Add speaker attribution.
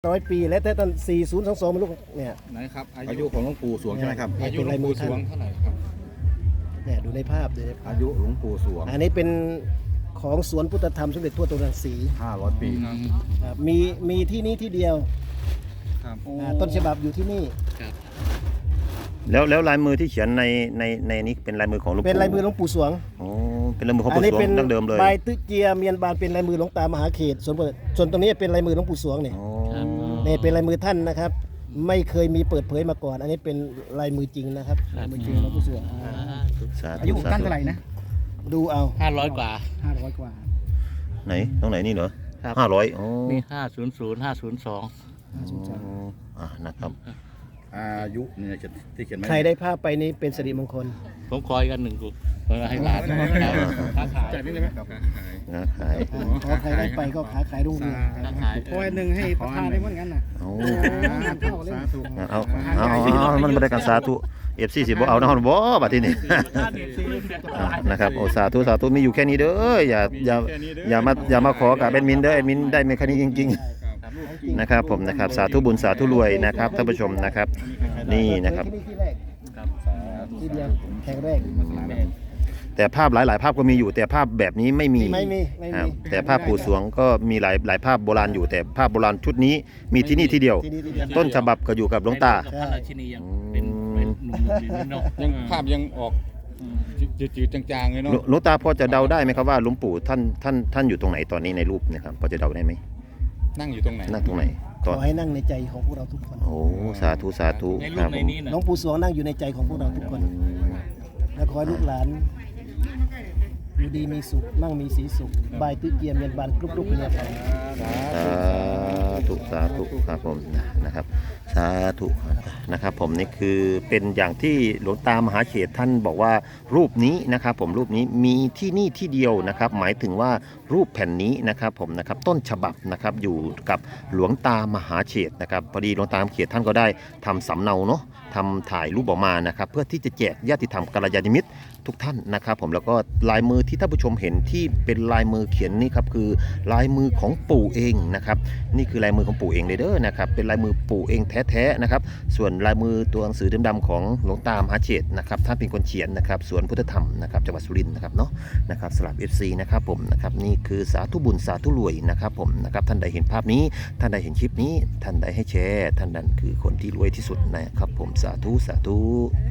Speaker 1: 100 ปีและแต่ต้น4022มันลูกเนี่ย
Speaker 2: ไหนครับ
Speaker 3: อายุของหลวงปู่สวงใช่ไหมครับ
Speaker 2: อายุหลวงปู่สวงเท่าไหร่ครับ
Speaker 1: เนี่ยดูในภาพดูในภาพ
Speaker 3: อายุหลวงปู่สวง
Speaker 1: อันนี้เป็นของสวนพุทธธรรมสมเด็จทั่วตรังสี
Speaker 3: 500 ปี
Speaker 1: มีที่นี้ที่เดียว
Speaker 2: ครับ
Speaker 1: ต้นฉบับอยู่ที่นี่
Speaker 4: แล้วลายมือที่เขียนในนี้เป็นลายมือของหลวงปู่
Speaker 1: เป็นลายมือหลวงปู่สวง
Speaker 4: อ๋อเป็นลายมือของ
Speaker 1: อัน
Speaker 4: ปู่
Speaker 1: นี้
Speaker 4: สว
Speaker 1: เป็
Speaker 4: ง
Speaker 1: น
Speaker 4: ดั้งเดิมเลย
Speaker 1: ใบตึกเจียเมียนบานเป็นลายมือหลวงตามหาเขตส่วนตรงนี้เป็นลายมือหลวงปู่สวงเนี่ย
Speaker 4: อ๋อ
Speaker 1: นี่เป็นลายมือท่านนะครับ ไม่เคยมีเปิดเผยมาก่อน อันนี้เป็นลายมือจริงนะครับลายมือจริงหลวงปู่สวง
Speaker 4: สา
Speaker 5: อา
Speaker 4: ธุ
Speaker 5: ยุของ
Speaker 4: สา
Speaker 5: ท่าน
Speaker 4: ธุ
Speaker 5: เท่าไหร่นะ
Speaker 1: ดูเอา
Speaker 6: 500 กว่า
Speaker 5: 500 กว่า
Speaker 4: ไหนตรงไหนนี่เหรอ
Speaker 6: ครับ
Speaker 4: 500อ๋อ
Speaker 6: มี 500 502
Speaker 4: นะครับ
Speaker 3: อายุเนี่ยที่เขียนไว้
Speaker 1: ใครได้ภาพไปนี้เป็นสิริมงคล
Speaker 6: ผมคอยกันหนึ่งกุให้หลานค้าขาย
Speaker 2: จ่ายนี่ได้ไหมครับ
Speaker 4: นะขาย
Speaker 1: ขอใครได้ไปก็ค้าขายรุ่งเรือง
Speaker 6: ค้าขาย
Speaker 5: โอ้ยหนึ่งให้ประธานได้เหมือนกันนะ
Speaker 4: เอา
Speaker 2: สาธุ
Speaker 4: เอามันบริการสาธุFCสิบ่เอานะฮะบ่บัดทีนี้ นะครับโอ้สาธุมีอยู่แค่นี้เด้ออย่ามาขอกับแอดมินเด้อแอดมินได้ไม่แค่นี้จริงๆนะครับผมนะครับสาธุบุญสาธุรวยนะครับท่านผู้ชมนะครับนี่นะครับ
Speaker 1: ที่นี่ที่แรกที่เดียวแห่งแรก
Speaker 4: แต่ภาพหลายๆภาพก็มีอยู่แต่ภาพแบบนี้ไม่มี
Speaker 1: ไม่มี
Speaker 4: ครับแต่ภาพปู่สวงก็มีหลายภาพโบราณอยู่แต่ภาพโบราณชุดนี้มีที่นี่ที่เดียว
Speaker 1: ที่นี่ที่เดียว
Speaker 4: ต้นฉบับก็อยู่กับหลวงตา
Speaker 6: กับพระราชินียังเป็นหนุ่มๆอยู่นิดหน่อย
Speaker 2: ยังภาพยังออกจืดๆจางๆเลยเนาะ
Speaker 4: หลวงตาพอจะเดาได้ไหมครับว่าหลวงปู่ท่านอยู่ตรงไหนตอนนี้ในรูปเนะครับพอจะเดาได้ไหม
Speaker 2: นั่งอยู่ตรงไหน
Speaker 4: นั่งตรงไหน
Speaker 1: ขอให้นั่งในใจของพวกเราทุกคน
Speaker 4: โอ้สาธุสาธุ
Speaker 6: ใน
Speaker 4: ค
Speaker 6: รู
Speaker 4: รั
Speaker 6: ป
Speaker 4: บ
Speaker 6: ใน
Speaker 4: ผม
Speaker 6: นี้นะ
Speaker 1: หลวงปู่สวงนั่งอยู่ในใจของพวกเราทุกคน และขอให้ลูกหลานอยู่ดีมีสุขมั่งมีสีสุขบายตื้อเกียมเมียนบานกรุบๆเป็นอย่างไร
Speaker 4: สาธุครับผมนะครับสาธุนะครับผมนี่คือเป็นอย่างที่หลวงตามหาเขตท่านบอกว่ารูปนี้นะครับผมรูปนี้มีที่นี่ที่เดียวนะครับหมายถึงว่ารูปแผ่นนี้นะครับผมนะครับต้นฉบับนะครับอยู่กับหลวงตามหาเขตนะครับพอดีหลวงตามหาเขตท่านก็ได้ทำสำเนาเนาะทำถ่ายรูปออกมานะครับเพื่อที่จะแจกญาติธรรมกัลยาณมิตรทุกท่านนะครับผมแล้วก็ลายมือที่ท่านผู้ชมเห็นที่เป็นลายมือเขียนนี่ครับคือลายมือของปู่เองนะครับนี่คือลายมือของปู่เองเลยเด้อนะครับเป็นลายมือปู่เองแท้ๆนะครับส่วนลายมือตัวหนังสือดำๆของหลวงตามหาเขตนะครับท่านเป็นคนเขียนนะครับสวนพุทธธรรมนะครับจังหวัดสุรินทร์นะครับเนาะนะครับสลับ FC นะครับผมนะครับนี่คือสาธุบุญสาธุรวยนะครับผมนะครับท่านใดเห็นภาพนี้ท่านใดเห็นคลิปนี้ท่านใดให้แชร์ท่านนั้นคือคนที่รวยที่สุดนะครับผมสาธุ